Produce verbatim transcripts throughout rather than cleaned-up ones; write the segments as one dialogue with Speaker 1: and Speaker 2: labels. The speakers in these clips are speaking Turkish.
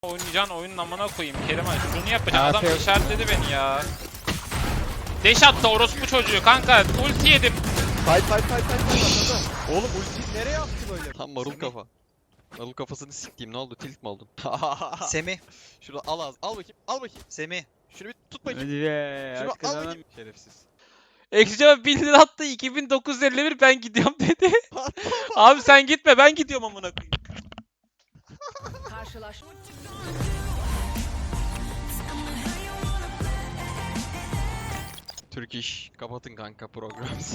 Speaker 1: Oynayacağın oyunun amına koyayım Keriman. Şunu yapacağım. Adam işaretledi beni ya. Deş attı orospu çocuğu kanka. Ulti yedim.
Speaker 2: Fight fight fight fight fight. Oğlum ulti nereye attı böyle?
Speaker 3: Tam marul kafa. Marul kafasını siktiğim, ne oldu, tilt mi oldun?
Speaker 4: Semih.
Speaker 3: Şurada al az, al bakayım, al bakayım.
Speaker 4: Semih.
Speaker 3: Şunu bir tut bakayım.
Speaker 2: Hadi be.
Speaker 3: Şunu al bakayım. Şerefsiz.
Speaker 1: Ekşi'ye bin lira attı. iki bin dokuz yüz elli bir ben gidiyorum dedi. Abi sen gitme ben gidiyorum amına koyayım.
Speaker 5: Karşılaşma.
Speaker 3: Türk iş, kapatın kanka programımızı.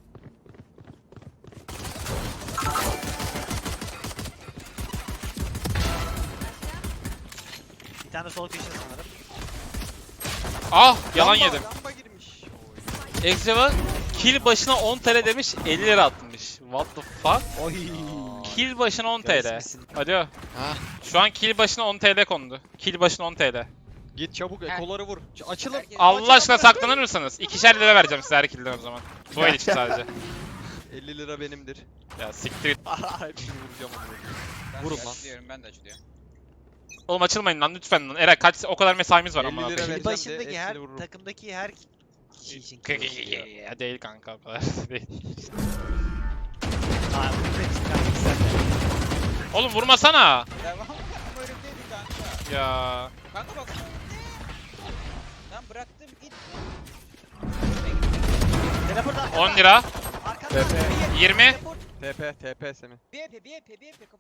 Speaker 4: Bir tane sol köşe sanırım.
Speaker 1: Ah yalan
Speaker 3: Lamba,
Speaker 1: yedim.
Speaker 3: Lamba girmiş.
Speaker 1: Ekşi'ye kill başına on T L demiş elli lira atmış. What the fuck?
Speaker 4: Oy.
Speaker 1: Kill başına on T L.
Speaker 4: Görsün.
Speaker 1: Hadi.
Speaker 3: Ha,
Speaker 1: Şu an kill başına on T L kondu. Kill başına on T L.
Speaker 3: git çabuk ekoları vur. Ç- Açılın.
Speaker 1: Allah aşkına saklanır mısınız? İkişer lira vereceğim size her killden o zaman. Bu el için sadece.
Speaker 3: elli lira benimdir.
Speaker 1: Ya siktir git.
Speaker 3: Hepsini vuracağım onu. Vurun lan.
Speaker 6: Açılıyorum, ben de açılıyorum.
Speaker 1: Oğlum açılmayın lan lütfen lan. Eray kaç o kadar mesaimiz var
Speaker 3: elli
Speaker 1: amına
Speaker 3: lira
Speaker 1: koyayım.
Speaker 3: ver.
Speaker 4: Kill
Speaker 3: vereceğim de
Speaker 4: başındaki her
Speaker 3: hepsini vururum.
Speaker 4: takımdaki her kişi için.
Speaker 1: Ya değil kanka o kadar değil.
Speaker 4: Aa, bu da çıkarmak isterdim.
Speaker 1: Oğlum vurmasana.
Speaker 6: Devam. Ama önümdeydi kanka.
Speaker 1: Ya.
Speaker 6: Kanka bak. Ben bıraktım git.
Speaker 4: Teleport arkada.
Speaker 1: on lira.
Speaker 4: Arkada.
Speaker 1: yirmi.
Speaker 4: Teleport.
Speaker 3: T P, T P Semih.
Speaker 6: B P B P B P kapı.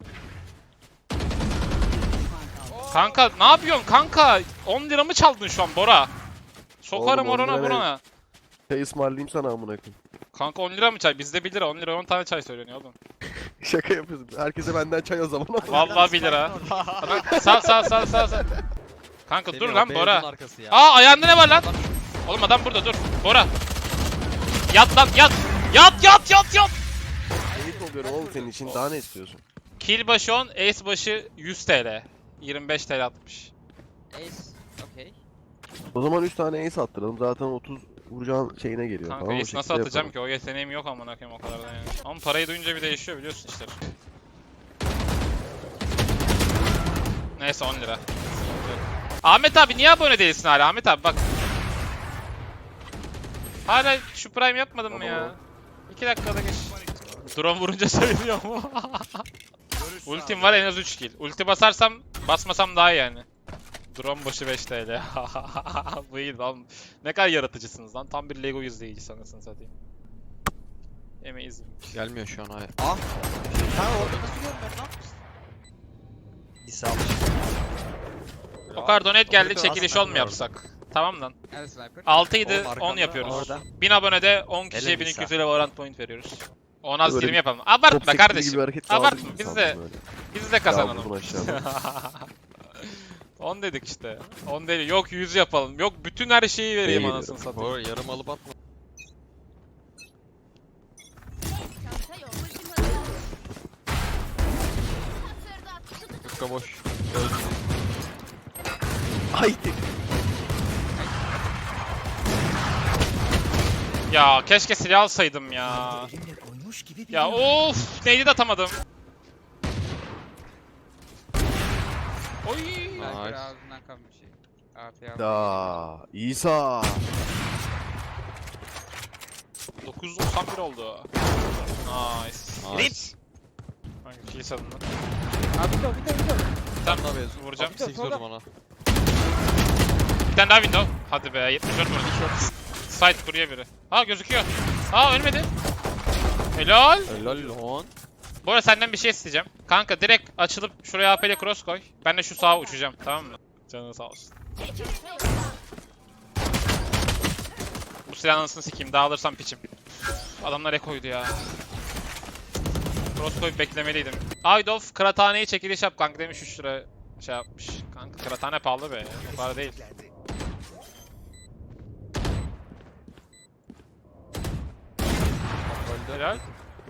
Speaker 1: Kanka ne yapıyorsun kanka? on lira mı çaldın şu an Bora? Sokarım
Speaker 2: Oğlum, on
Speaker 1: orana
Speaker 2: lira
Speaker 1: burana.
Speaker 2: Çay ısmarlayayım sana amına koyayım.
Speaker 1: Kanka on lira mı çay? Bizde bir lira. on lira on tane çay söyleniyor oğlum.
Speaker 2: Şaka yapıyorsun. Herkese benden çay o zaman.
Speaker 1: Vallahi bir lira. Sal sal sal sal sal. Kanka dur
Speaker 3: Semih, o
Speaker 1: lan
Speaker 3: beyazın
Speaker 1: Bora.
Speaker 3: arkası ya.
Speaker 1: Aa ayağında ne var lan? Oğlum adam burada dur. Bora. Yat lan yat. Yat yat yat yat.
Speaker 2: Keyif oluyorum oğlum senin için. Daha ne istiyorsun?
Speaker 1: Kill başı on, ace başı yüz T L. yirmi beş T L atmış.
Speaker 6: Ace. Okey.
Speaker 2: O zaman üç tane ace attıralım. Zaten otuz vuracağın şeyine geliyor.
Speaker 1: Kanka
Speaker 2: tamam mı?
Speaker 1: ace nasıl atacağım ki? O yeteneğim yok amına koyayım o kadar da yani. Ama parayı duyunca bir değişiyor biliyorsun işte. Neyse on lira. Ahmet abi niye abone değilsin hala? Ahmet abi bak. Hala şu prime yapmadın mı ya? iki dakikada geç. Drone vurunca söylüyor mu? Ultim var en az üç kill. Ulti basarsam basmasam daha iyi yani. Drone başı beş T L. Bu iyi lan. Ne kadar yaratıcısınız lan. Tam bir Lego izleyicisi anasını satayım. Yemeyiz.
Speaker 3: Gelmiyor şu an hayır. Ah!
Speaker 4: Kanka orada nasıl görmüyorum lan? Bir sağlık.
Speaker 1: O kadar donate geldi
Speaker 3: Orada
Speaker 1: çekiliş
Speaker 3: aslında
Speaker 1: on mu yapsak? Tamam lan.
Speaker 6: Nerede sniper?
Speaker 1: altı idi
Speaker 3: Oğlum
Speaker 1: on
Speaker 3: arkanda,
Speaker 1: yapıyoruz.
Speaker 4: orada.
Speaker 1: bin abonede on kişiye
Speaker 4: Hele
Speaker 1: bin iki yüz
Speaker 4: Nisa.
Speaker 1: lira Valorant point veriyoruz. on az
Speaker 2: Böyle
Speaker 1: yirmi
Speaker 2: bir
Speaker 1: yapalım. Abartma
Speaker 2: Top sektiği
Speaker 1: kardeşim.
Speaker 2: gibi hareket
Speaker 1: Abartma,
Speaker 2: kaldı gibi
Speaker 1: biz
Speaker 2: sandım
Speaker 1: de-
Speaker 2: böyle.
Speaker 1: Biz de
Speaker 2: Ya
Speaker 1: kazanalım.
Speaker 2: vurdun aşağıda.
Speaker 1: on dedik işte. on değil. Yok yüz yapalım. Yok bütün her şeyi vereyim
Speaker 2: İyi.
Speaker 1: anasını satayım.
Speaker 3: Bora yarım alıp atma. Yufka boş. Öldü.
Speaker 2: Haydi.
Speaker 1: Ya keşke silah alsaydım ya.
Speaker 4: Elimle koymuş gibi bir
Speaker 1: Ya of neydi de atamadım. Oy.
Speaker 6: Sniper
Speaker 3: Nice.
Speaker 6: ağzından kalmış şey. A P A.
Speaker 2: Ya İsa.
Speaker 1: dokuz yüz doksan bir oldu. Nice.
Speaker 3: Nice.
Speaker 1: Hangi kill salındı?
Speaker 6: Abi bir de bir de bir de.
Speaker 1: Tamam
Speaker 3: Daha beyaz.
Speaker 1: vuracağım.
Speaker 3: altmış sekiz vurdum ona.
Speaker 1: Bir tane daha window. Hadi be yetmiş dört vurdum. Side kuruyor biri. Ha gözüküyor. Aa ölmedi. Helal.
Speaker 3: Helal lan.
Speaker 1: Bu arada senden bir şey isteyeceğim. Kanka direkt açılıp şuraya A P ile cross koy. Ben de şu sağa uçacağım tamam mı? Canın sağ olsun. Bu silahın anasını sikeyim dağılırsam piçim. Adamlar ekoydu ya. Cross koyup beklemeliydim. Aydof kıraathaneyi çekiliş yap kanka demiş üç lira şey yapmış. Kanka kıraathane pahalı be. O kadar değil. Helal.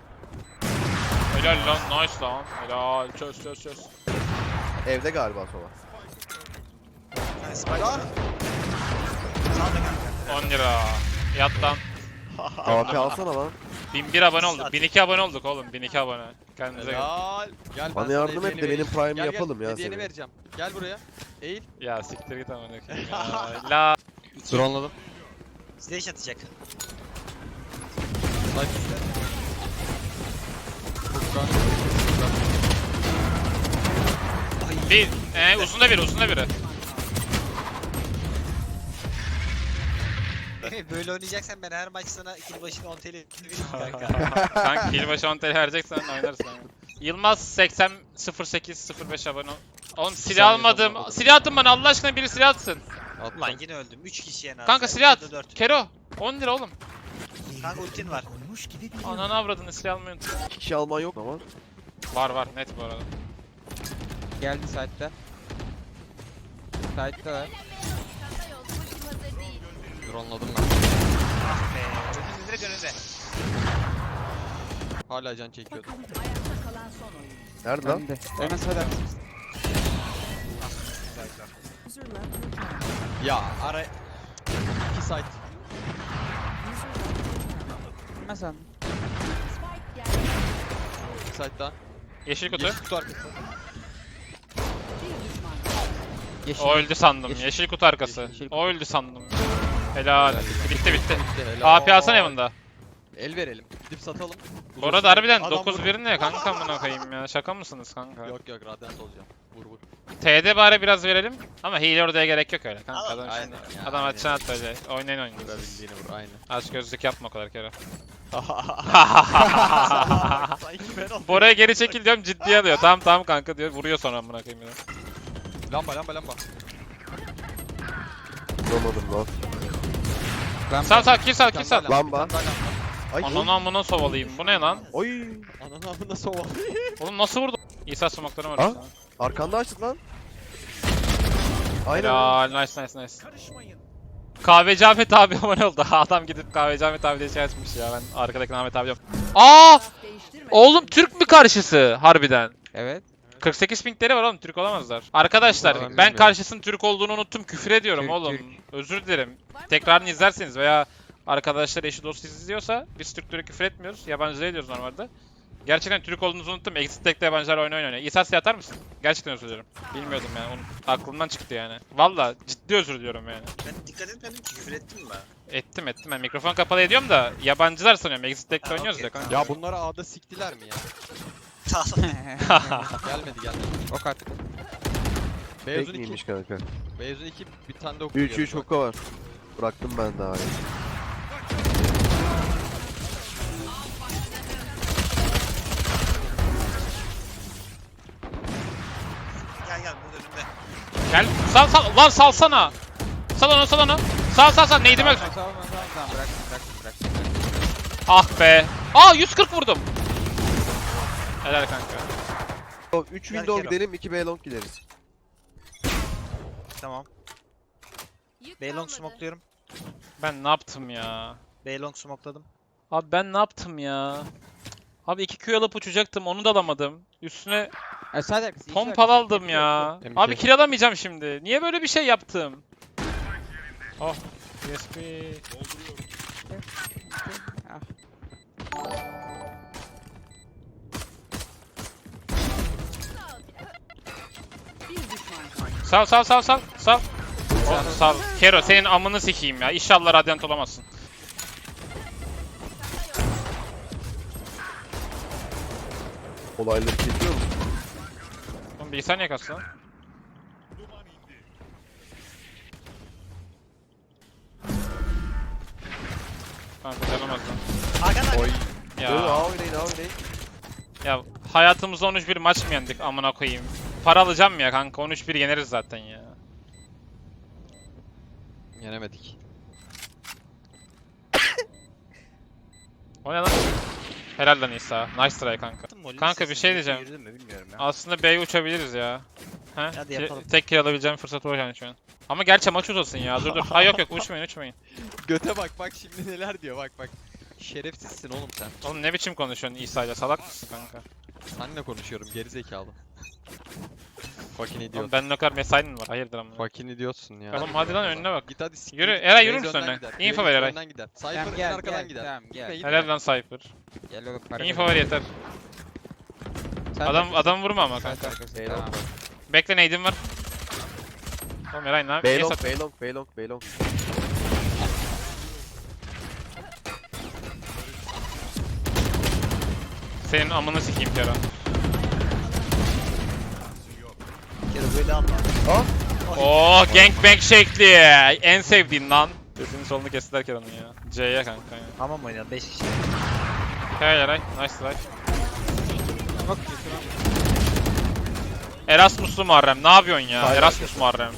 Speaker 1: Helal lan nice lan. Helal çöz çöz çöz.
Speaker 2: Evde galiba sola.
Speaker 4: tane spike. Sağda kanka.
Speaker 1: on lira. Yat lan.
Speaker 2: A P alsana lan.
Speaker 1: bin bir abone olduk. bin iki abone olduk oğlum. bin iki abone. Kendinize gelin.
Speaker 3: Helal. Gel
Speaker 2: Bana
Speaker 3: sana
Speaker 2: yardım et
Speaker 3: hediyeni
Speaker 2: de benim
Speaker 3: vereyim.
Speaker 2: Prime'ı
Speaker 3: Gel, gel,
Speaker 2: yapalım ya
Speaker 3: hediyeni
Speaker 2: seni.
Speaker 3: vereceğim. Gel buraya. Eğil.
Speaker 1: Ya siktir git amına koyayım ya. La.
Speaker 3: Drone'ladım.
Speaker 6: Slash atacak.
Speaker 3: Snipe. Furkan.
Speaker 1: Bir, ee, uzunda biri, uzunda biri.
Speaker 6: Böyle oynayacaksan ben her maç sana kill başına on T L vereyim kanka.
Speaker 1: Kanka kill başı on T L vereceksen oynarsın. Yılmaz seksen sıfır sekiz sıfır beş abone ol. Oğlum silah
Speaker 3: saniye
Speaker 1: almadım.
Speaker 3: sonra
Speaker 1: Silah attın bana Allah aşkına biri silah atsın.
Speaker 3: Attım.
Speaker 6: Lan yine öldüm. üç kişi en az.
Speaker 1: Kanka
Speaker 6: ya,
Speaker 1: silah
Speaker 6: ya da
Speaker 1: at.
Speaker 6: dört.
Speaker 1: Kero. on lira oğlum.
Speaker 6: Kanka ultin var.
Speaker 1: Ananı avradını silah almayı unuttum.
Speaker 2: İki kişi alman yok ama.
Speaker 1: Var var net bu arada.
Speaker 4: Geldi site'de. Site'de var.
Speaker 3: Drone'ladım ben.
Speaker 6: Ah be. Önümüzde direkt önünde.
Speaker 3: Hala can çekiyordu.
Speaker 2: Nerede lan?
Speaker 4: Önde. Hemen sağda.
Speaker 3: Ya
Speaker 6: Ara
Speaker 3: iki site.
Speaker 4: Hemen sağda.
Speaker 3: İki site daha.
Speaker 1: Yeşil kutu.
Speaker 3: Yeşil kutu arkası.
Speaker 4: Yeşil.
Speaker 1: O öldü sandım.
Speaker 4: Yeşil.
Speaker 1: Yeşil kutu arkası.
Speaker 4: Yeşil kutu.
Speaker 1: O öldü sandım. Helal. Bitti bitti.
Speaker 3: Bitti, helal.
Speaker 1: A P alsana evinde.
Speaker 3: El verelim. Gidip satalım.
Speaker 1: Bu arada harbiden
Speaker 3: Adam
Speaker 1: dokuz
Speaker 3: vurdu.
Speaker 1: bir ne kanka amına koyayım ya. Şaka mısınız kanka?
Speaker 3: Yok yok radyant olacağım. Vur vur.
Speaker 1: T D bari biraz verelim. Ama hile oraya gerek yok öyle kanka. Adam,
Speaker 3: Aynen
Speaker 1: şimdi,
Speaker 3: ya,
Speaker 1: adam
Speaker 3: aynen.
Speaker 1: açsana at öyle. Oynayın oynayın.
Speaker 3: Vurabildiğini vur aynen.
Speaker 1: Aç gözlük yapma o kadar kere.
Speaker 3: Sanki ben oldum.
Speaker 1: Bora'ya geri çekil diyorum ciddiye alıyor. Tamam tamam kanka diyor. Vuruyor sonra amına koyayım ya.
Speaker 3: Lamba lamba lamba.
Speaker 2: Bulamadım lan.
Speaker 4: Ben
Speaker 1: Sal sal kill sal kill
Speaker 3: Bir tane
Speaker 1: sal.
Speaker 3: daha
Speaker 2: Lamba.
Speaker 3: bir tane daha lamba.
Speaker 2: Ay.
Speaker 1: Ananı amına sovalıyım. Bu ne lan?
Speaker 2: Oy.
Speaker 3: Ananı amına soğuk.
Speaker 1: Oğlum nasıl vurdu? İsa smoke'ları var.
Speaker 2: Ha?
Speaker 1: üstüne.
Speaker 2: Arkanda açtın lan. Aynen.
Speaker 1: Helal nice nice nice. Kahveci Ahmet abi abone oldu. Adam gidip Kahveci Ahmet abi diye şey açmış ya. Ben arkadaki Ahmet abi diyorum. Aa! Oğlum Türk mü karşısı harbiden?
Speaker 4: Evet.
Speaker 1: kırk sekiz pingleri var oğlum Türk olamazlar. Arkadaşlar
Speaker 4: Vallahi
Speaker 1: ben
Speaker 4: bilmiyorum.
Speaker 1: karşısının Türk olduğunu unuttum küfür ediyorum
Speaker 4: Türk,
Speaker 1: oğlum.
Speaker 4: Türk.
Speaker 1: Özür dilerim. Tekrarını izlerseniz veya arkadaşlar eşi dostu izliyorsa biz Türklere küfür etmiyoruz. Yabancılara ediyoruz normalde. Gerçekten Türk olduğunuzu unuttum. Exit Tech'te yabancılar oyun oynuyor. İsas atar mısın? Gerçekten özür dilerim. Bilmiyordum yani. Onun aklımdan çıktı yani. Valla ciddi özür diliyorum yani.
Speaker 6: Ben dikkat etmedim ki küfür ettim mi?
Speaker 1: Ettim ettim. Ben mikrofon kapalı ediyorum da yabancılar sanıyorum. Exit Tech'te
Speaker 6: Ha,
Speaker 1: oynuyoruz
Speaker 6: okey.
Speaker 1: ya kanka.
Speaker 3: Ya bunları A'da siktiler mi ya? Gelmedi gelmedi.
Speaker 4: Ok attı.
Speaker 3: Beyazın
Speaker 2: Tek miymiş
Speaker 3: iki.
Speaker 2: kanka?
Speaker 3: Beyazın iki bir tane de oku.
Speaker 2: üç üç hoka var. Bıraktım ben daha.
Speaker 6: Gel gel burada önümde.
Speaker 1: Gel sal sal. Lan salsana. Sal onu sal onu. Sal sal sal. Neydi mi?
Speaker 4: Tamam tamam tamam tamam bıraktım bıraktım bıraktım.
Speaker 1: Ah be. Aa yüz kırk vurdum. Helal kanka.
Speaker 2: üç
Speaker 6: Gel
Speaker 2: window
Speaker 6: Kero.
Speaker 2: gidelim, iki B long gideriz.
Speaker 6: Tamam. Baylong smokluyorum.
Speaker 1: Ben ne yaptım ya?
Speaker 6: Baylong smokladım.
Speaker 1: Abi ben ne yaptım ya? Abi iki Q alıp uçacaktım onu da alamadım. Üstüne
Speaker 4: E, sağda arkası. yeşil
Speaker 1: pompal
Speaker 4: arkası.
Speaker 1: aldım ya.
Speaker 3: M K.
Speaker 1: Abi kill alamayacağım şimdi. Niye böyle bir şey yaptım? Oh. U S B.
Speaker 4: Ah.
Speaker 1: Sal sal sal sal sal. Oh, sal. Kero senin amını sikeyim ya. İnşallah radyant olamazsın.
Speaker 2: Olayları çekiyor musun?
Speaker 1: Oğlum bilgisayar niye kastı lan? Kanka canamaz lan.
Speaker 6: Hakan
Speaker 3: Oy.
Speaker 1: Ya.
Speaker 2: Yo, A oynayın, A oynayın.
Speaker 1: Ya hayatımızda on üç bir maç mı yendik amına koyayım. Para alacağım ya kanka on üç bir yeneriz zaten ya.
Speaker 3: Yenemedik.
Speaker 1: O ne lan? Helal lan İsa. Nice try kanka. Kanka bir şey diyeceğim.
Speaker 6: Yürüdün mü bilmiyorum ya.
Speaker 1: Aslında B'ye uçabiliriz ya. He?
Speaker 6: Hadi yapalım.
Speaker 1: Tek kill alabileceğim fırsat o yani şu an. Ama gerçi maç uzasın ya. Dur dur. Ha yok yok uçmayın uçmayın.
Speaker 3: Göte bak bak şimdi neler diyor bak bak. Şerefsizsin oğlum sen.
Speaker 1: Oğlum ne biçim konuşuyorsun İsa'yla? Salak mısın kanka?
Speaker 3: Seninle konuşuyorum geri zekalı. Fucking
Speaker 1: Oğlum
Speaker 3: idiot.
Speaker 1: benim ne kadar mesain mi var? Hayırdır ama.
Speaker 3: Fucking idiotsun ya.
Speaker 1: Oğlum hadi lan önüne bak.
Speaker 3: Git hadi siktir.
Speaker 1: Yürü, Eray yürür
Speaker 3: Raze
Speaker 1: müsün
Speaker 3: önden
Speaker 1: öne?
Speaker 3: gider.
Speaker 1: Info
Speaker 3: Raze
Speaker 1: ver Eray.
Speaker 3: önden gider.
Speaker 6: Tamam
Speaker 3: Cypher en
Speaker 6: gel
Speaker 3: arkadan
Speaker 6: gel.
Speaker 3: gider.
Speaker 6: Tamam gel.
Speaker 3: Gitme, gitme.
Speaker 1: Helal lan Cypher.
Speaker 6: Gel oğlum para
Speaker 1: Info ver yeter. Adam adam vurma ama
Speaker 6: Sen
Speaker 1: kanka.
Speaker 6: arkası.
Speaker 2: Beyler.
Speaker 6: Tamam.
Speaker 1: Bekle nade'im var. Oğlum Eray ne yapıyorsun? Niye
Speaker 2: Beylong,
Speaker 1: sat-
Speaker 2: Beylong, Beylong, Beylong.
Speaker 1: Senin amını sikeyim Kero.
Speaker 4: Bir kere böyle anla.
Speaker 1: Oo gangbang şekli. En sevdiğin lan. Sesini solunu kestiler Kero'nun ya. C'ye kanka ya.
Speaker 4: Tamam oynayalım beş kişi.
Speaker 1: Hey Eray. Nice try.
Speaker 6: Bak götürün.
Speaker 1: Erasmuslu Muharrem. Ne yapıyorsun ya?
Speaker 2: Hayır,
Speaker 1: Erasmus Muharrem.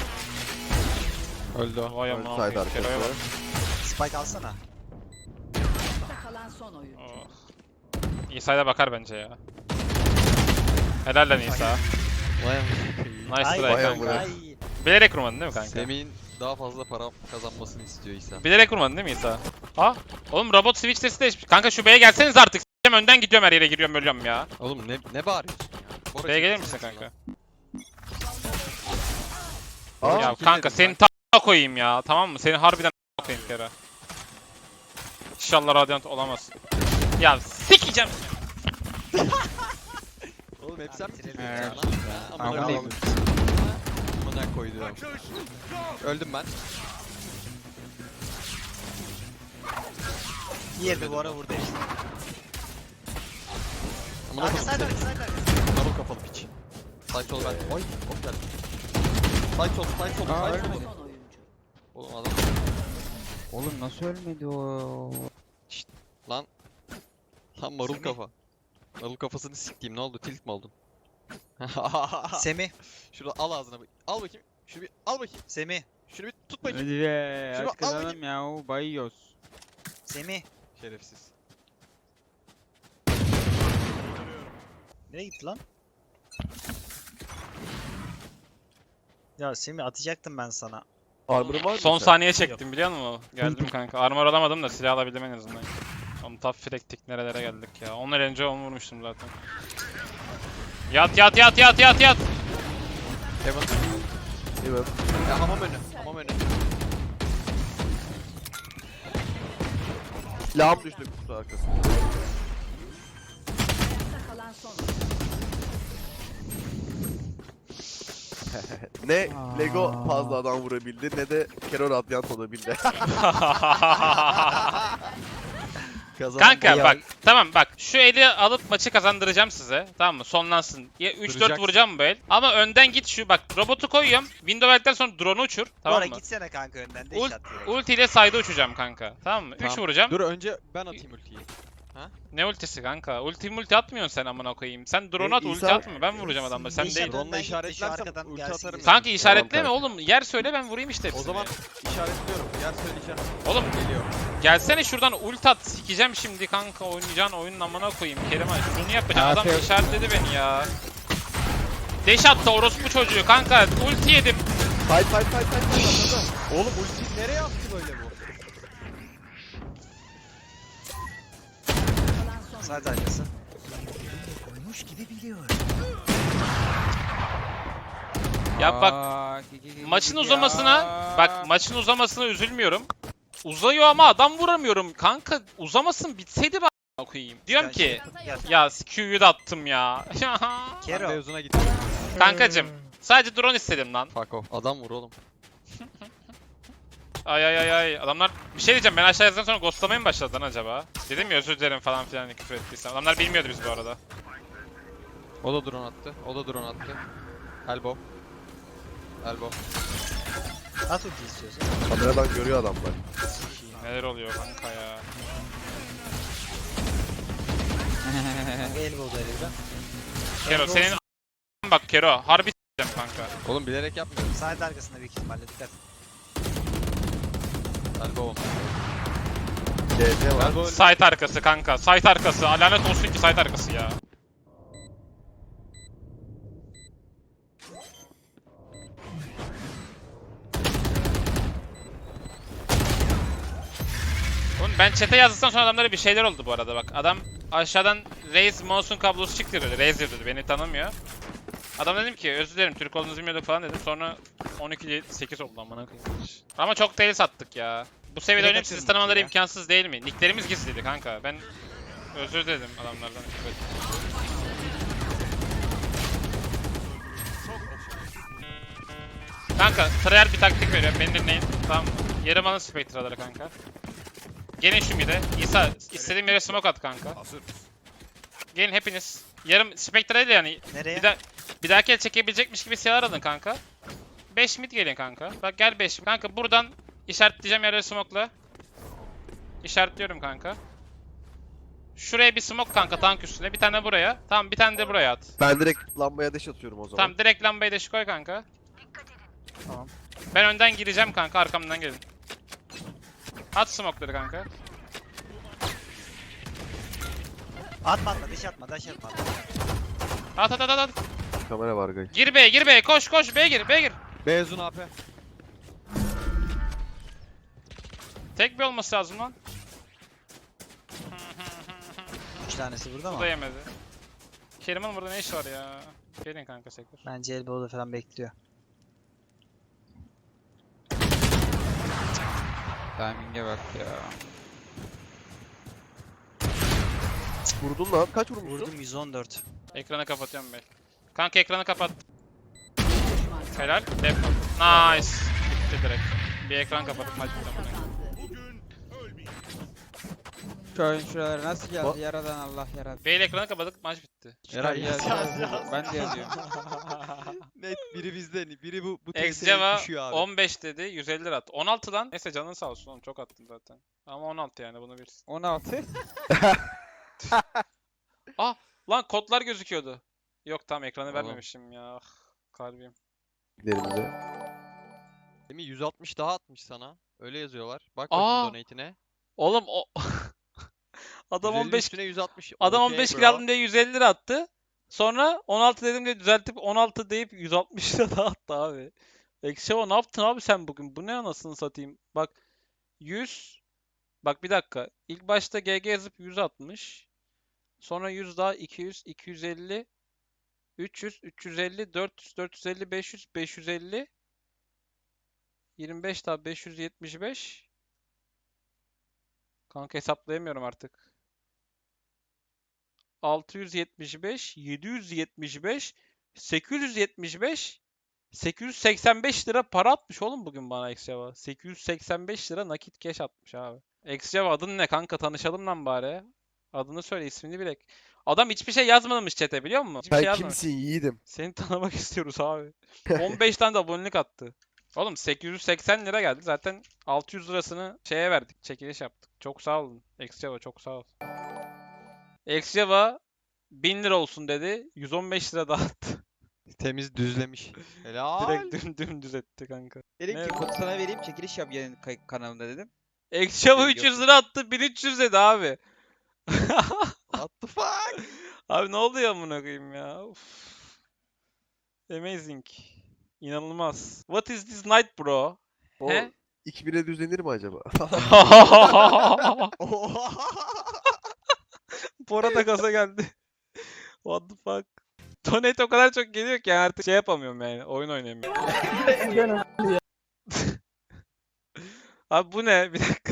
Speaker 3: Öldü o.
Speaker 1: Vay
Speaker 2: Öldü
Speaker 1: amına
Speaker 2: side
Speaker 1: koyayım. Kero'ya bak.
Speaker 2: arkası.
Speaker 4: Spike alsana.
Speaker 5: kalan son oyun.
Speaker 1: Oh. İsa'ya bakar bence ya. Helal lan İsa.
Speaker 3: Vay
Speaker 1: Nice
Speaker 4: Ay,
Speaker 1: try
Speaker 2: vay
Speaker 1: kanka.
Speaker 2: amına.
Speaker 4: Ay.
Speaker 1: Bilerek vurmadın değil mi kanka?
Speaker 3: Semih'in daha fazla para kazanmasını istiyor İsa.
Speaker 1: Bilerek vurmadın değil mi İsa? Ha? Oğlum robot switch sesi değişmiş. Kanka şu B'ye gelseniz artık. S**eyim, önden gidiyorum her yere giriyorum ölüyorum ya.
Speaker 3: Oğlum ne ne bağırıyorsun ya? Bora
Speaker 1: B'ye gelir
Speaker 3: gitsene
Speaker 1: misin
Speaker 3: lan.
Speaker 1: kanka?
Speaker 2: Aa,
Speaker 1: Ya
Speaker 3: kim
Speaker 1: kanka
Speaker 3: dedim
Speaker 1: senin ta koyayım ya. Tamam mı? Seni harbiden ta koyayım kere. İnşallah Radiant olamaz. Ya sikeceğim.
Speaker 3: Oğlum hep sen mi
Speaker 6: Evet.
Speaker 3: tiriyorsun ya?
Speaker 6: Tamam,
Speaker 3: Amına
Speaker 6: oğlum.
Speaker 3: koyayım. Amına koydum. Öldüm ben.
Speaker 4: Diğerini bu ara vurdu işte.
Speaker 3: Amına
Speaker 4: Arka
Speaker 3: koydum.
Speaker 4: side arka side arka.
Speaker 3: Marul kafalı piç. Side sol ben. Oy. Hop geldi. Side sol, side sol,
Speaker 6: Aa,
Speaker 3: side
Speaker 6: ölmedi.
Speaker 3: sol.
Speaker 5: Son oyuncu.
Speaker 3: Oğlum adam.
Speaker 6: Oğlum nasıl ölmedi o?
Speaker 3: Lan. Lan marul
Speaker 4: Semih.
Speaker 3: kafa. Marul kafasını siktiğim ne oldu? Tilt mi oldun?
Speaker 4: Semih.
Speaker 3: Şurada al ağzına. bak- Al bakayım. Şunu bir al bakayım.
Speaker 4: Semih.
Speaker 3: Şunu bir tut bakayım.
Speaker 6: Hadi be.
Speaker 3: Şunu
Speaker 6: Aç
Speaker 3: al
Speaker 6: kazanım ya. o Bayıyoruz.
Speaker 4: Semih.
Speaker 3: Şerefsiz.
Speaker 4: Nereye gitti lan? Ya Semih atacaktım ben sana.
Speaker 2: Armor'ın var mı?
Speaker 1: Son
Speaker 2: sen?
Speaker 1: saniye çektim biliyor musun? Geldim kanka. Armor alamadım da silah alabildim en azından. Oğlum top frektik nerelere geldik ya. Onlar önce onu vurmuştum zaten. Yat yat yat yat yat yat.
Speaker 3: Heaven.
Speaker 2: Değil mi?
Speaker 3: Ya hamam önü. Hamam önü.
Speaker 2: Silahım düştü kutu arkası.
Speaker 5: kalan son oyuncu.
Speaker 2: Ne Lego fazla adam vurabildi ne de Kero Radiant olabildi.
Speaker 3: Kazan.
Speaker 1: Kanka
Speaker 4: Ya-
Speaker 1: bak tamam bak şu eli alıp maçı kazandıracağım size. Tamam mı? Sonlansın. Ya üç dört
Speaker 3: Duracaksın.
Speaker 1: vuracağım bu el. Ama önden git şu bak robotu koyuyorum. Window verdikten sonra drone'u uçur. Tamam
Speaker 4: Bora
Speaker 1: mı?
Speaker 4: gitsene kanka önden de
Speaker 1: Ult,
Speaker 4: iş at direkt.
Speaker 1: ulti ile side'a uçacağım kanka. Tamam mı? üç
Speaker 3: Tamam.
Speaker 1: vuracağım.
Speaker 3: Dur önce ben atayım ultiyi.
Speaker 1: Ne ultisi kanka? Ulti multi atmıyorsun sen amına koyayım. Sen drone
Speaker 2: E,
Speaker 1: at ulti
Speaker 2: İsa-
Speaker 1: atma. Ben vuracağım adamları sen
Speaker 4: İsa-
Speaker 1: değil.
Speaker 4: Önden
Speaker 3: Drone'la
Speaker 4: gitti, şu
Speaker 3: işaretlersem
Speaker 4: arkadan
Speaker 3: ulti
Speaker 4: gelsin
Speaker 3: atarım.
Speaker 4: gibi.
Speaker 1: Kanka işaretleme
Speaker 2: kanka.
Speaker 1: oğlum. Yer söyle ben vurayım işte
Speaker 3: O
Speaker 1: hepsini.
Speaker 3: zaman işaretliyorum. Yer söyleyeceğim.
Speaker 1: Oğlum
Speaker 3: Geliyor.
Speaker 1: gelsene şuradan ult at. Sikeceğim şimdi kanka oynayacağın oyunun amına koyayım. Keriman şunu yapacağım.
Speaker 6: Ha,
Speaker 1: Adam
Speaker 6: şey-
Speaker 1: işaretledi beni ya. Deş attı orospu çocuğu kanka. Ulti yedim.
Speaker 2: Fight fight fight fight fight.
Speaker 3: Oğlum ulti nereye attı böyle bu?
Speaker 5: Kalan son
Speaker 4: Side arkası.
Speaker 1: Ya bak
Speaker 6: Aa, ki- ki- ki-
Speaker 1: maçın
Speaker 6: ki-
Speaker 1: uzamasına
Speaker 6: ya.
Speaker 1: bak maçın uzamasına üzülmüyorum. Uzayıyor ama adam vuramıyorum. Kanka uzamasın bitseydi ben a**ına koyayım. Diyorum ki
Speaker 4: Gel.
Speaker 1: ya Q'yu da attım ya.
Speaker 3: Ben
Speaker 4: Kero.
Speaker 3: mevzuna gittim.
Speaker 1: Kankacım sadece drone istedim lan.
Speaker 3: Fuck off. Adam vur oğlum.
Speaker 1: Ay ay ay ay. Adamlar bir şey diyeceğim ben aşağı yazdıktan sonra ghostlamaya mı başladı lan acaba? Dedim ya özür dilerim falan filan küfür ettiysem. Adamlar bilmiyordu biz bu arada.
Speaker 3: O da drone attı. O da drone attı. Elbow. Elbow.
Speaker 4: At ulti istiyorsan.
Speaker 2: Kameradan görüyor adamlar.
Speaker 1: Neler oluyor kanka ya.
Speaker 4: Kanka elbow'da elbow'da.
Speaker 1: Kero senin a**ın bak Kero. Harbi s**eceğim kanka.
Speaker 3: Oğlum bilerek yapmıyorum.
Speaker 4: Side arkasında büyük ihtimalle dikkat.
Speaker 3: Elbow.
Speaker 2: C C var.
Speaker 3: Elbow.
Speaker 1: Site arkası kanka. Site arkası. Lanet olsun ki site arkası ya. Oğlum ben chat'e yazdıktan sonra adamlara bir şeyler oldu bu arada bak. Adam aşağıdan Raze mouse'un kablosu çıktı dedi. Raze dedi beni tanımıyor. Adam dedim ki özür dilerim Türk olduğunuzu bilmiyorduk falan dedim. Sonra on iki sekiz oldu amına koyayım. Ama çok değil sattık ya. Bu seviyede
Speaker 6: Direkt
Speaker 1: oynayıp sizi
Speaker 6: atıyorum
Speaker 1: tanımaları
Speaker 6: ya.
Speaker 1: imkansız değil mi? Nicklerimiz gizliydi kanka. Ben özür diledim adamlardan. Evet. Kanka trial bir taktik veriyorum. Beni dinleyin. Tamam mı? Yarım alın Spectre'ları kanka. Gelin şu mid'e. İsa istediğim yere smoke at kanka. Gelin hepiniz. Yarım Spectre'yle yani.
Speaker 6: Nereye?
Speaker 1: Bir, da bir dahaki el çekebilecekmiş gibi silahlar alın kanka. beş mid gelin kanka. Bak gel beş. Kanka buradan işaretleyeceğim yerleri smoke'la. İşaretliyorum kanka. Şuraya bir smoke kanka tank üstüne. Bir tane buraya. Tamam bir tane de buraya at.
Speaker 2: Ben direkt lambaya deş atıyorum o zaman.
Speaker 1: Tamam direkt lambayı da şu koy kanka. Tamam. Ben önden gireceğim kanka arkamdan gelin. At smoke'ları kanka.
Speaker 6: Atma atma dış atma dış atma.
Speaker 1: At at at at.
Speaker 2: Kamera var gay.
Speaker 1: Gir B'ye gir B'ye koş koş B'ye gir B'ye gir.
Speaker 3: Beyazun A P.
Speaker 1: Tek bir olması lazım lan.
Speaker 6: Üç tanesi burada
Speaker 1: Bu
Speaker 6: mı?
Speaker 1: da yemedi. Kerim'in burada ne işi var ya? Gelin kanka sektir.
Speaker 6: Bence elbow'da falan bekliyor.
Speaker 3: Timing'e bak ya.
Speaker 2: Vurdun lan. Kaç vurmuşsun?
Speaker 6: Vurdum yüz on dört.
Speaker 1: Ekranı kapatıyorum ben. Kanka ekranı kapat.
Speaker 5: Düşman kaldı.
Speaker 1: Helal. Def. Nice. Bitti direkt. Bir ekran kapatıp maç bitti.
Speaker 5: Kazandı.
Speaker 7: Şu oyun şuraları nasıl geldi?
Speaker 2: Ba-
Speaker 7: Yaradan Allah yaradı.
Speaker 1: B'yle ekranı kapadık maç bitti.
Speaker 3: Eray
Speaker 7: Yaz, yaz, yaz. Ben de yazıyorum.
Speaker 3: Net biri bizden, biri bu bu
Speaker 1: Exjava
Speaker 3: düşüyor abi.
Speaker 1: on beş dedi, yüz elli lira at. on altı lan. Neyse canın sağ olsun oğlum çok attın zaten. Ama on altı yani bunu bilirsin.
Speaker 7: on altı.
Speaker 1: Lan kodlar gözüküyordu. Yok tamam ekranı
Speaker 3: Oğlum.
Speaker 1: vermemişim ya. Ah, kalbim.
Speaker 2: Giderimize.
Speaker 3: Değil mi? yüz altmış daha atmış sana. Öyle yazıyorlar. Bak
Speaker 1: Aa!
Speaker 3: bakayım donate'ine.
Speaker 1: Oğlum o adam
Speaker 3: yüz elli
Speaker 1: on beş
Speaker 3: üstüne yüz altmış.
Speaker 1: adam
Speaker 3: Okey
Speaker 1: on beş
Speaker 3: bro.
Speaker 1: kill aldım diye yüz elli lira attı. Sonra on altı dedim diye düzeltip on altı deyip yüz altmış lira daha attı abi. Ekşeva ne yaptın abi sen bugün? Bu ne anasını satayım? Bak yüz bak bir dakika. İlk başta G G yazıp yüz atmış. Sonra yüz daha iki yüz, iki yüz elli, üç yüz, üç yüz elli, dört yüz, dört yüz elli, beş yüz, beş yüz elli, yirmi beş daha beş yüz yetmiş beş. Kanka hesaplayamıyorum artık. altı yüz yetmiş beş, yedi yüz yetmiş beş, sekiz yüz yetmiş beş, sekiz yüz seksen beş lira para atmış oğlum bugün bana Exjava. sekiz yüz seksen beş lira nakit cash atmış abi. Exjava adın ne kanka tanışalım lan bari. Adını söyle ismini bilek. Adam hiçbir şey yazmamış chat'e biliyor musun? Hiçbir şey
Speaker 2: Sen
Speaker 1: yazmamış.
Speaker 2: kimsin yiğidim?
Speaker 1: Seni tanımak istiyoruz abi. on beş tane de abonelik attı. Oğlum sekiz yüz seksen lira geldi. Zaten altı yüz lirasını şeye verdik. Çekiliş yaptık. Çok sağ olun. Exjava çok sağ ol. Exjava bin lira olsun dedi. yüz on beş lira daha attı.
Speaker 3: Temiz düzlemiş. Helal.
Speaker 1: Direkt düm dümdüz etti kanka.
Speaker 7: Dedim
Speaker 1: Ne?
Speaker 7: ki kodu sana vereyim çekiliş yap yayın kay- kanalında dedim.
Speaker 1: Exjava
Speaker 7: Yok,
Speaker 1: üç yüz
Speaker 7: yok.
Speaker 1: lira attı. bin üç yüz dedi abi.
Speaker 3: What the fuck?
Speaker 1: Abi ne oldu ya amına koyayım ya? Uf. Amazing. İnanılmaz. What is this night bro?
Speaker 2: O
Speaker 1: He?
Speaker 2: iki bine düzlenir mi acaba?
Speaker 1: Bora da gaza geldi. What the fuck? Donate o kadar çok geliyor ki yani artık şey yapamıyorum yani. Oyun oynayamıyorum. Abi bu ne? Bir dakika.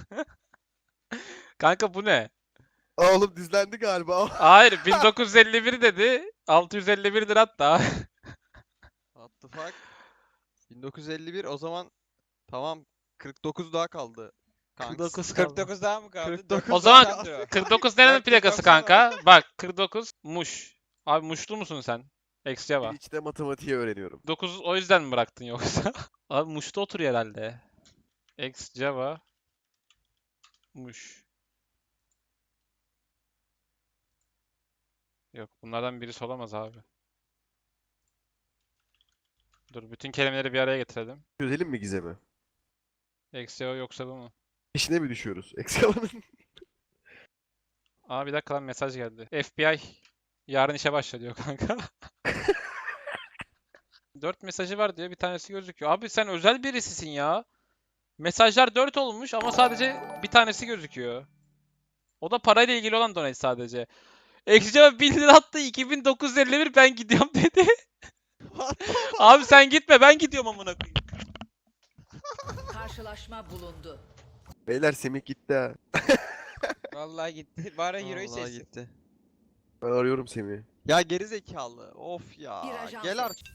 Speaker 1: Kanka bu ne?
Speaker 2: Aa, oğlum dizlendi galiba.
Speaker 1: Hayır bin dokuz yüz elli bir dedi. altı yüz elli bir lira hatta.
Speaker 3: What the fuck? bin dokuz yüz elli bir o zaman tamam kırk dokuz daha kaldı. Kanks.
Speaker 1: kırk dokuz kaldı.
Speaker 7: kırk dokuz daha mı kaldı?
Speaker 3: kırk dokuz
Speaker 1: O zaman
Speaker 7: daha kaldı.
Speaker 1: kırk dokuz nerenin
Speaker 7: Bak,
Speaker 1: plakası
Speaker 7: baksana.
Speaker 1: kanka? Bak kırk dokuz Muş. Abi Muşlu musun sen? Ex-Java.
Speaker 2: İçte matematiği öğreniyorum.
Speaker 1: dokuz o yüzden mi bıraktın yoksa? Abi Muş'ta oturuyor herhalde. Ex-Java. Muş. Yok bunlardan birisi olamaz abi. Dur bütün kelimeleri bir araya getirelim.
Speaker 2: Çözelim mi gizemi?
Speaker 1: Ex-Java yoksa bu mu?
Speaker 2: Peşine mi düşüyoruz? Excavan'ın.
Speaker 1: Aa bir dakika lan mesaj geldi. F B I yarın işe başla diyor kanka. dört mesajı var diyor bir tanesi gözüküyor. Abi sen özel birisisin ya. Mesajlar dört olmuş ama sadece bir tanesi gözüküyor. O da parayla ilgili olan donate sadece. Exce'ye bin lira attı, iki bin dokuz yüz elli bir ben gidiyorum dedi. Abi sen gitme, ben gidiyorum amına koyayım.
Speaker 5: Karşılaşma bulundu.
Speaker 2: Beyler Semih gitti ha.
Speaker 7: Vallahi gitti. Bari Euro'yu
Speaker 3: Vallahi
Speaker 7: seçsin.
Speaker 3: gitti.
Speaker 2: Ben arıyorum Semih'i.
Speaker 3: Ya geri zekalı. Of
Speaker 5: Bir
Speaker 3: ya.
Speaker 5: ajan
Speaker 3: Gel
Speaker 5: seç.
Speaker 3: artık.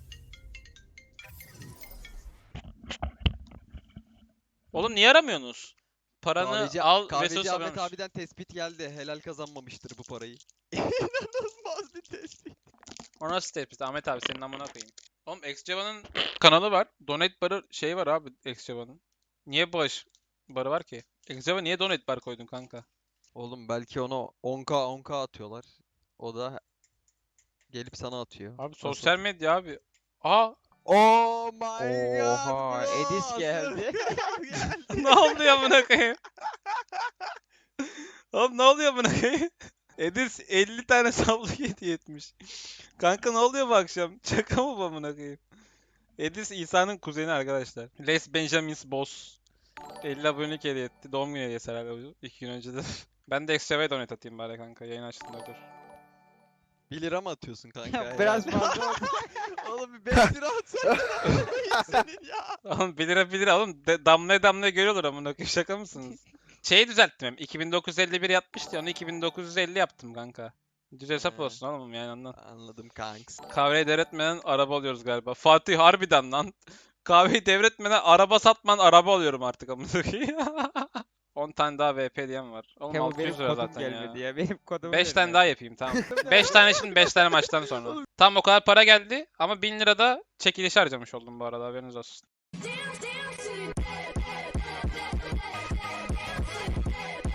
Speaker 1: Oğlum niye aramıyorsunuz? Paranı
Speaker 3: Kahveci,
Speaker 1: al ve
Speaker 3: kahveci
Speaker 1: sus
Speaker 3: Ahmet
Speaker 1: alıyormuş.
Speaker 3: abiden tespit geldi. Helal kazanmamıştır bu parayı. İnanılmaz bir tespit.
Speaker 1: O nasıl tespit? Ahmet abi senin amına koyayım. Oğlum Xceva'nın kanalı var. Donate barı şey var abi Xceva'nın. Niye bağış barı var ki? Xceva niye donate bar koydun kanka?
Speaker 3: Oğlum belki ona on k on k atıyorlar. O da gelip sana atıyor.
Speaker 1: Abi
Speaker 3: Nasıl
Speaker 1: sosyal
Speaker 3: atıyor?
Speaker 1: medya abi. Aa
Speaker 3: Oh my god.
Speaker 7: Oha,
Speaker 3: bro.
Speaker 7: Edis geldi.
Speaker 1: ne oluyor amına koyayım? Oğlum ne oluyor amına koyayım? Edis elli tane sablı hediye etmiş. Kanka ne oluyor bu akşam? Şaka mı bu amına koyayım? Edis İsa'nın kuzeni arkadaşlar. Les Benjamins Boss. elli abonelik hediye etti. Doğum günü hediyesi herhalde bu. iki gün önce de. Ben de Extra'ya donate atayım bari kanka. Yayın açtığında dur.
Speaker 3: bir lira mı atıyorsun kanka? ya?
Speaker 7: Biraz fazla oldu.
Speaker 3: Oğlum bir beş lira atsan senin ya.
Speaker 1: Oğlum bir lira bir lira oğlum. De, damlaya damlaya görüyorlar amına koyayım. Şaka mısınız? Şeyi düzelttim hem. iki bin dokuz yüz elli bir yapmıştı ya, onu iki bin dokuz yüz elli yaptım kanka. Düz hesap
Speaker 3: He.
Speaker 1: olsun oğlum yani ondan.
Speaker 3: Anladım kanks.
Speaker 1: Kahveyi devretmeden araba alıyoruz galiba. Fatih harbiden lan. Kahveyi devretmeden araba satman araba alıyorum artık amına koyayım. on tane daha V P diyen var. Oğlum
Speaker 7: Kemal
Speaker 1: altı
Speaker 7: benim
Speaker 1: yüz lira
Speaker 7: kodum
Speaker 1: zaten
Speaker 7: gelmedi
Speaker 1: ya.
Speaker 7: ya. Benim kodumu
Speaker 1: beş
Speaker 7: verin
Speaker 1: tane
Speaker 7: ya.
Speaker 1: daha yapayım tamam. beş tane şimdi beş tane maçtan sonra. Tam o kadar para geldi ama bin lira da çekilişe harcamış oldum bu arada haberiniz olsun.